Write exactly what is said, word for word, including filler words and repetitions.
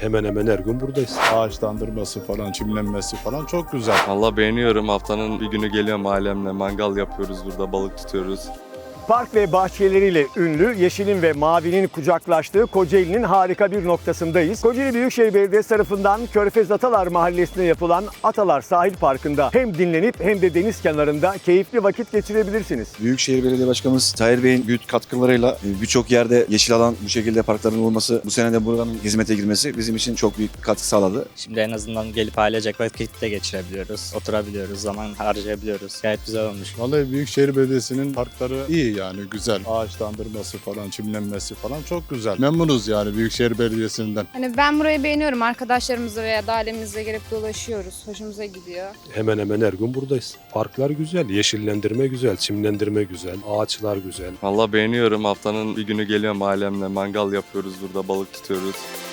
Hemen hemen her gün buradayız. Ağaçlandırması falan, çimlenmesi falan çok güzel. Valla beğeniyorum. Haftanın bir günü geliyorum ailemle. Mangal yapıyoruz burada, balık tutuyoruz. Park ve bahçeleriyle ünlü yeşilin ve mavinin kucaklaştığı Kocaeli'nin harika bir noktasındayız. Kocaeli Büyükşehir Belediyesi tarafından Körfez Atalar Mahallesi'nde yapılan Atalar Sahil Parkı'nda hem dinlenip hem de deniz kenarında keyifli vakit geçirebilirsiniz. Büyükşehir Belediye Başkanımız Tahir Bey'in büyük katkılarıyla birçok yerde yeşil alan bu şekilde parkların olması, bu sene de buranın hizmete girmesi bizim için çok büyük katkı sağladı. Şimdi en azından gelip ailecek vakit de geçirebiliyoruz, oturabiliyoruz, zaman harcayabiliyoruz. Gayet güzel olmuş. Vallahi Büyükşehir Belediyesi'nin parkları iyi yani güzel. Ağaçlandırması falan, çimlenmesi falan çok güzel. Memnunuz yani Büyükşehir Belediyesi'nden. Hani ben burayı beğeniyorum. Arkadaşlarımızla veya da ailemizle gelip dolaşıyoruz. Hoşumuza gidiyor. Hemen hemen her gün buradayız. Parklar güzel, yeşillendirme güzel, çimlendirme güzel, ağaçlar güzel. Valla beğeniyorum. Haftanın bir günü geliyorum ailemle. Mangal yapıyoruz burada, balık tutuyoruz.